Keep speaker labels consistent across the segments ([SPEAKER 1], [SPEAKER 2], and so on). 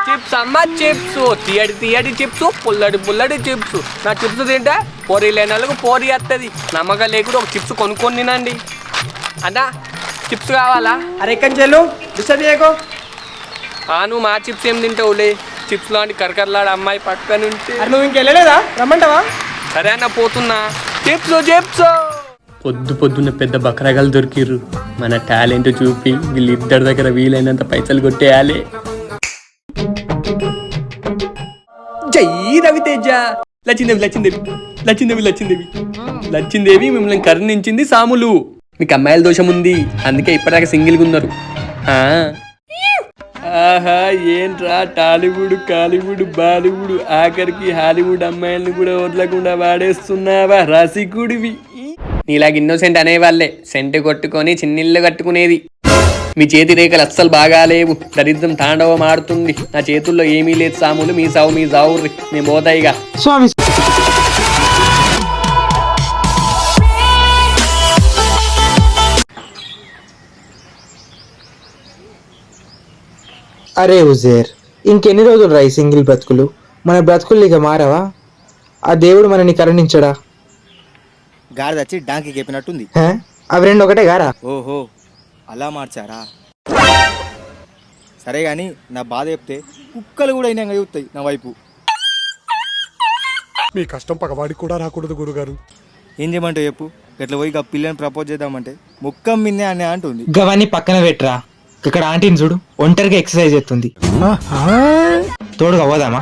[SPEAKER 1] Chips అమ్మ chips, తీయడి తీయడి చిప్స్, పుల్లడి పుల్లడి చిప్స్. నా చిప్స్ తింటే పొరి లేని వాళ్ళకు పోరి వస్తుంది. నమ్మకం లేకుండా ఒక చిప్స్ కొనుక్కొని తినండి. అన్నా చిప్స్ కావాలా?
[SPEAKER 2] అరే కంచెలు డిస్టర్బ్ చేయకో.
[SPEAKER 1] నువ్వు మా చిప్స్ ఏం తింటావులే? చిప్స్ లాంటి కరకరలాడు అమ్మాయి పక్కన ఉంటే.
[SPEAKER 2] అరే నువ్వు ఇంకెళ్ళలేదా? రమ్మంటావా?
[SPEAKER 1] సరే అన్న పోతున్నా. Chips chips. పొద్దున్న పెద్ద బకరగాలు దొరికిర్రు. మన టాలెంట్ చూపి వీళ్ళిద్దరి దగ్గర వీలైనంత పైసలు కొట్టేయాలి. జై రవితేజ. లచ్చిందేవి లచ్చిందేవి లచ్చిందేవి లచ్చిందేవి లచ్చిందేవి మిమ్మల్ని కరుణించింది సాములు. మీకు అమ్మాయిల దోషం ఉంది, అందుకే ఇప్పటిదాకా సింగిల్గా ఉన్నారు. ఆహా ఏంట్రా టాలీవుడ్ కాలీవుడ్ బాలీవుడ్ ఆఖరికి హాలీవుడ్ అమ్మాయిలను కూడా వదలకుండా వాడేస్తున్నావా రసికుడివి. నీలాగా ఇన్నోసెంట్ అనేవాళ్ళే సెంటు కొట్టుకొని చిన్నిళ్ళు కట్టుకునేది. మీ చేతి రేఖలు అస్సలు బాగాలేవు, దరిద్రం తాండవం ఆడుతుంది. నా చేతుల్లో ఏమీ లేదు సాములు, మీ సావు మీ సావుర్రి. మేము పోతాయిగా
[SPEAKER 2] స్వామి.
[SPEAKER 3] అరే ఉజేర్, ఇంకెన్ని రోజులు రా ఈ సింగిల్ బ్రతుకులు? మన బ్రతుకులు ఇక మారవా? ఆ దేవుడు మనని కరుణించడా?
[SPEAKER 4] గాడిద వచ్చి డాంకి చెప్పినట్టుంది.
[SPEAKER 3] అవి రెండు ఒకటే గారా?
[SPEAKER 4] ఓహో అలా మార్చారా? సరే కానీ నా బాధ చెప్తే కుక్కలు కూడా అయినా చూస్తాయి నా వైపు.
[SPEAKER 5] మీ కష్టం పగవాడికి కూడా రాకూడదు గురుగారు.
[SPEAKER 4] ఏం చేయమంటావు చెప్పు? ఇట్లా పోయి పిల్లని ప్రపోజ్ చేద్దామంటే ముక్కం మిన్నే అని అంటుంది.
[SPEAKER 3] గవాన్ని పక్కన పెట్టరా. ఇక్కడ ఆంటీని చూడు, ఒంటరిగా ఎక్సర్సైజ్ చేస్తుంది. తోడుగా పోదామా?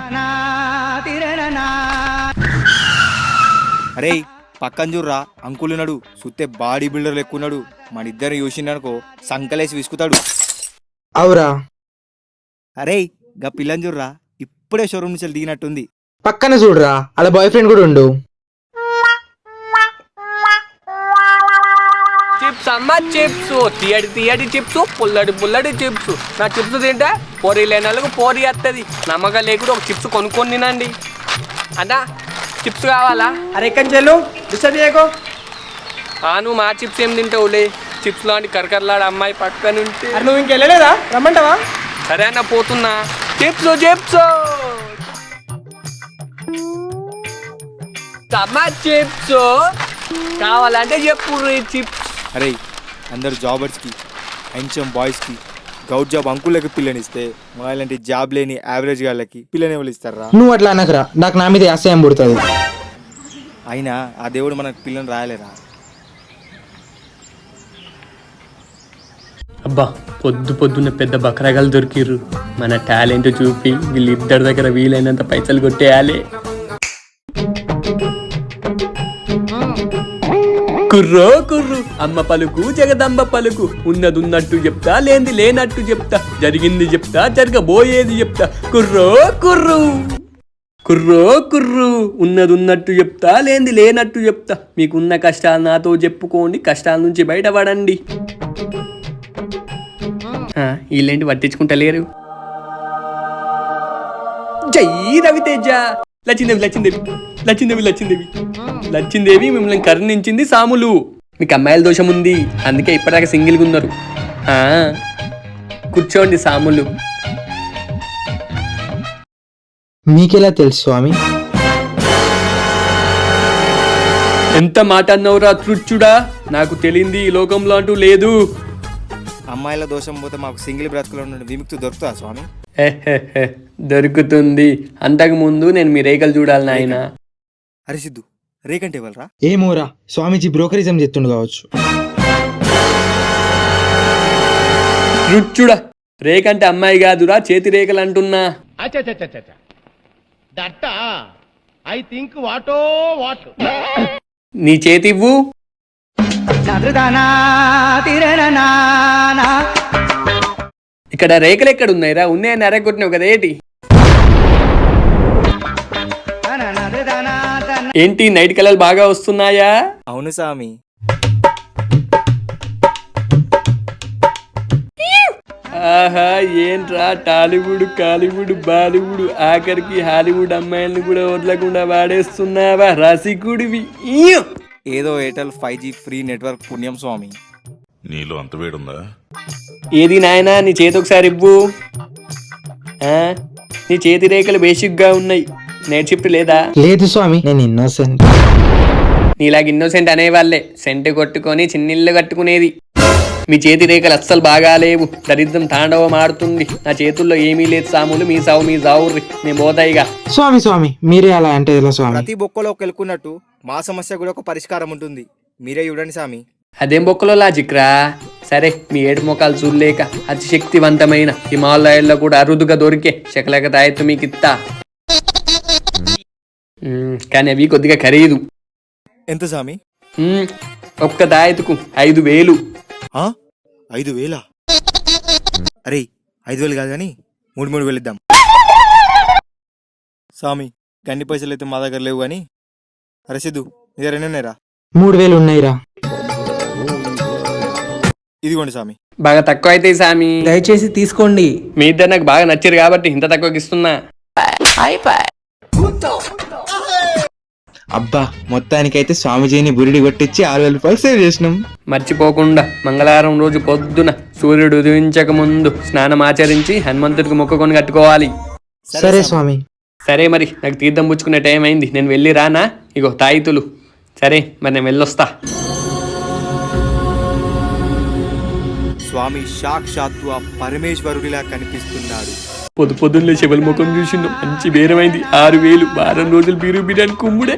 [SPEAKER 4] అరే పక్కన చూడరా, అంకులున్నాడు సుత్తే బాడీ బిల్డర్ ఎక్కున్నాడు. మన ఇద్దరు చూసిండనుకో సంకలేసి విసుకుతాడు.
[SPEAKER 3] అవురా?
[SPEAKER 4] అరే గా పిల్లని చూడరా, ఇప్పుడే షోరూమ్ నుంచి దిగినట్టుంది.
[SPEAKER 3] పక్కన చూడరా, అలా బాయ్ ఫ్రెండ్ కూడా ఉండు.
[SPEAKER 1] చిప్స్ అమ్మ చిప్స్, తీయడి తీయడి చిప్స్, పుల్లడి పుల్లడి చిప్స్. నా చిప్స్ తింటే పొరి లేని వాళ్ళకు పోరి వస్తుంది. నమ్మకం లేకుండా ఒక చిప్స్ కొనుక్కొని తినండి. అన్నా చిప్స్ కావాలా?
[SPEAKER 2] అరే కంచెలు డిస్టర్బ్ చేయకో.
[SPEAKER 1] నువ్వు మా చిప్స్ ఏం తింటావులే? చిప్స్ లాంటి కరకరలాడు అమ్మాయి పక్కన ఉంటే.
[SPEAKER 2] అరే నువ్వు ఇంకెళ్ళలేదా? రమ్మంటావా?
[SPEAKER 1] సరే అన్న పోతున్నా. చిప్స్ చిప్స్ అమ్మ చిప్స్ కావాలంటే చెప్పు చిప్స్.
[SPEAKER 4] అరే అందరు జాబర్స్కి హెన్సమ్ బాయ్స్కి గౌట్ జాబ్ అంకుళ్ళకి పిల్లనిస్తే మా ఇలాంటి జాబ్ లేని యావరేజ్ వాళ్ళకి పిల్లని ఎవరు ఇస్తారా?
[SPEAKER 3] నువ్వు అట్లా అనకరా, నాకు నా మీద ఆశయం పుడుతుంది.
[SPEAKER 4] అయినా ఆ దేవుడు మనకు పిల్లని రాయలేరా?
[SPEAKER 1] అబ్బా పొద్దున్న పెద్ద బకరగాలు దొరికిర్రు. మన టాలెంట్ చూపి వీళ్ళిద్దరి దగ్గర వీలైనంత పైసలు కొట్టేయాలి. కుర్రో కుర్రు అమ్మ పలుకు జగదంబ పలుకు. ఉన్నదున్నట్టు చెప్తా, లేనిది లేనట్టు చెప్తా, జరిగింది చెప్తా, జరగబోయేది చెప్తా. కుర్రో కుర్రు కుర్రో కుర్రు ఉన్నదున్నట్టు చెప్తా, లేనిది లేనట్టు చెప్తా. మీకున్న కష్టాలు నాతో చెప్పుకోండి, కష్టాల నుంచి బయటపడండి. వీళ్ళేంటి పట్టించుకుంటలేరు? జై రవితేజ. లచ్చిందేవి లచ్చిందేవి లచ్చిందేవి లచ్చిందేవి లచ్చిందేవి మిమ్మల్ని కరుణించింది సాములు. మీకు అమ్మాయిల దోషం ఉంది, అందుకే ఇప్పటిదాకా సింగిల్గా ఉన్నారు. కూర్చోండి సాములు.
[SPEAKER 3] మీకెలా తెలుసు స్వామి?
[SPEAKER 1] ఎంత మాట అన్నవురా తృచ్చుడా? నాకు తెలియంది ఈ లోకంలో అంటూ లేదు.
[SPEAKER 4] అమ్మాయిల దోషం పోతే మాకు సింగిల్ బ్రతుకులో నుండి విముక్తి దొరుకుతా స్వామి?
[SPEAKER 1] దొరుకుతుంది. అంతకు ముందు నేను మీ రేఖలు చూడాలి నాయన.
[SPEAKER 4] అరే సిద్ధు, రేకంటే ఇవ్వాలరా?
[SPEAKER 3] ఏమోరా, స్వామీజీ బ్రోకరిజం చెప్తుండు కావచ్చు.
[SPEAKER 1] తృచ్చుడా, రేకంటే అమ్మాయి కాదురా, చేతి రేఖలు అంటున్నా. నీ చేతి ఇవ్వు. ఇక్కడ రేఖలు ఎక్కడ ఉన్నాయిరా? ఉన్నాయని అరగొట్టినావు కదా ఏంటి? ఏంటి నైట్ కలర్లు బాగా వస్తున్నాయా?
[SPEAKER 4] అవును స్వామి.
[SPEAKER 1] ఆహా ఏంట్రా టాలీవుడ్ కాలీవుడ్ బాలీవుడ్ ఆఖరికి హాలీవుడ్ అమ్మాయిలను కూడా వదలకుండా వాడేస్తున్నావా రసికుడివి.
[SPEAKER 4] ఏదో ఎయిర్టెల్ 5G ఫ్రీ నెట్వర్క్ పుణ్యం స్వామి.
[SPEAKER 6] నీలో అంత వేడుందా?
[SPEAKER 1] ఏది నాయనా, నీ చేతి ఒకసారి ఇవ్వు. నీ చేతి రేఖలు బేసిక్గా ఉన్నాయి. నైట్ షిఫ్ట్ లేదా?
[SPEAKER 3] లేదు స్వామి, నేను ఇన్నోసెంట్.
[SPEAKER 1] నీలాగ ఇన్నోసెంట్ అనేవాళ్ళే సెంటు కొట్టుకొని చిన్నిళ్ళు కట్టుకునేది. మీ చేతి రేఖలు అస్సలు బాగాలేవు. దరిద్రం తాండవం ఆడుతుంది. నా చేతుల్లో ఏమీ లేదు సాములు. మీ సావు మీ సావుర్రి. నేను పోతాయిగా.
[SPEAKER 3] స్వామి స్వామి, మీరే అలా అంటే ఎలా స్వామి?
[SPEAKER 4] ప్రతి బొక్కలో కెలుకున్నట్టు మా సమస్య కూడా ఒక పరిష్కారం ఉంటుంది. మీరే చూడండి స్వామి.
[SPEAKER 1] అదేం బొక్కలో లాజిక్ రా. సరే, మీ ఏడు మొక్కలు చూడలేక అతి శక్తివంతమైన హిమాలయాల్లో కూడా అరుదుగా దొరికే శకలక తాయెత్తు మీకు ఇస్తా. కానీ అవి కొద్దిగా ఖరీదు.
[SPEAKER 4] ఎంత స్వామి?
[SPEAKER 1] ఒక్క తాయెత్తుకు 5,000.
[SPEAKER 4] 5,000? అరే 5,000 కాదు కానీ 3,000 ఇద్దాం స్వామి. గన్ని పైసలు అయితే మా దగ్గర లేవు కానీ రసీదు నీ దగ్గర ఎన్ని ఉన్నాయిరా?
[SPEAKER 3] 3,000 ఉన్నాయిరా.
[SPEAKER 4] ఇదిగోండి స్వామి.
[SPEAKER 1] బాగా తక్కువ అయితే సామి,
[SPEAKER 2] దయచేసి తీసుకోండి.
[SPEAKER 1] మీ ఇద్దరు నాకు బాగా నచ్చారు కాబట్టి ఇంత తక్కువకి ఇస్తున్నా.
[SPEAKER 3] అబ్బా, మొత్తానికైతే స్వామిజీని బురిడి కొట్టించి 6,000 రూపాయలు సేవ్ చేసినాం.
[SPEAKER 1] మర్చిపోకుండా మంగళవారం రోజు పొద్దున సూర్యుడు ఉదయించక ముందు స్నానం ఆచరించి హనుమంతుడికి మొక్కుకొని కట్టుకోవాలి.
[SPEAKER 3] సరే స్వామి.
[SPEAKER 1] సరే మరి, నాకు తీర్థం పుచ్చుకునే టైం అయింది. నేను వెళ్ళి రానా? ఇగో తాయితులు. సరే మరి, నేను వెళ్ళొస్తా.
[SPEAKER 4] స్వామి సాక్షాత్తు ఆ పరమేశ్వరుడిలా కనిపిస్తున్నాడు.
[SPEAKER 1] పొద్దున్నే శివల ముఖం చూసిండు. మంచి బేరమైంది. 6,000. వారం రోజులు బీరు బిర్యానీ కుమ్ముడే.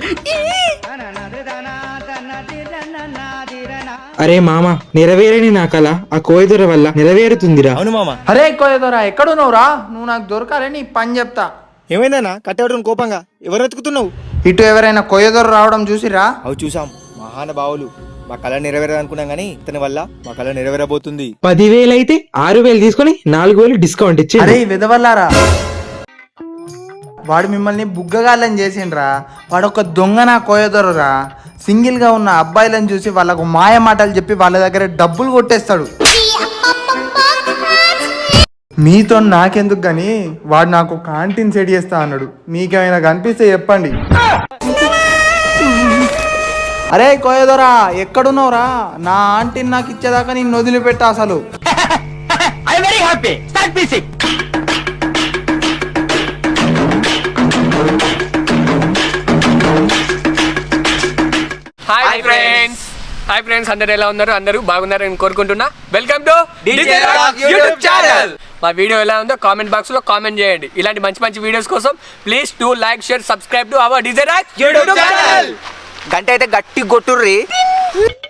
[SPEAKER 3] అరే మామ, నెరవేరని నా కళ ఆ కోయిదొర వల్ల నెరవేరుతుందిరా.
[SPEAKER 4] అవును మామ.
[SPEAKER 2] అరే కోయదోరా, ఎక్కడున్నావురా? నువ్వు నాకు దొరకాలి, నీ పని చెప్తా.
[SPEAKER 4] ఏమైందన్నా కట్టేవడం కోపంగా? ఎవరు వెతుకుతున్నావు?
[SPEAKER 2] ఇటు ఎవరైనా కొయ్యదొర రావడం చూసిరా?
[SPEAKER 4] అవి చూసాం. మహానుభావులు. మా కళ నెరవేరదనుకున్నాం కానీ ఇతని వల్ల మా కళ నెరవేరబోతుంది.
[SPEAKER 3] 10,000 అయితే 6,000 తీసుకొని 4,000 డిస్కౌంట్ ఇచ్చి.
[SPEAKER 2] అరే విధవల్లారా, వాడు మిమ్మల్ని బుగ్గగాళ్ళని చేసిండ్రా. వాడు ఒక దొంగ నా కోయదొరరా. సింగిల్ గా ఉన్న అబ్బాయిలను చూసి వాళ్ళకు మాయ మాటలు చెప్పి వాళ్ళ దగ్గర డబ్బులు కొట్టేస్తాడు. మీతో నాకెందుకు గాని వాడు నాకు క్యాంటీన్ సెట్ చేస్తా అన్నాడు. మీకేమైనా కనిపిస్తే చెప్పండి. అరే కోయదొరా, ఎక్కడున్నావురా? నా ఆంటీని నాకు ఇచ్చేదాకా నేను వదిలిపెట్టా అసలు.
[SPEAKER 1] హాయ్ ఫ్రెండ్స్, అందరు ఎలా ఉన్నారు? అందరూ బాగున్నారని కోరుకుంటున్నా. Welcome to YouTube channel. మా వీడియో ఎలా ఉందో కామెంట్ బాక్స్ లో కామెంట్ చేయండి. ఇలాంటి మంచి మంచి వీడియోస్ కోసం please do like, share, subscribe to our YouTube channel.
[SPEAKER 2] గంట అయితే గట్టి కొట్టుర్రి.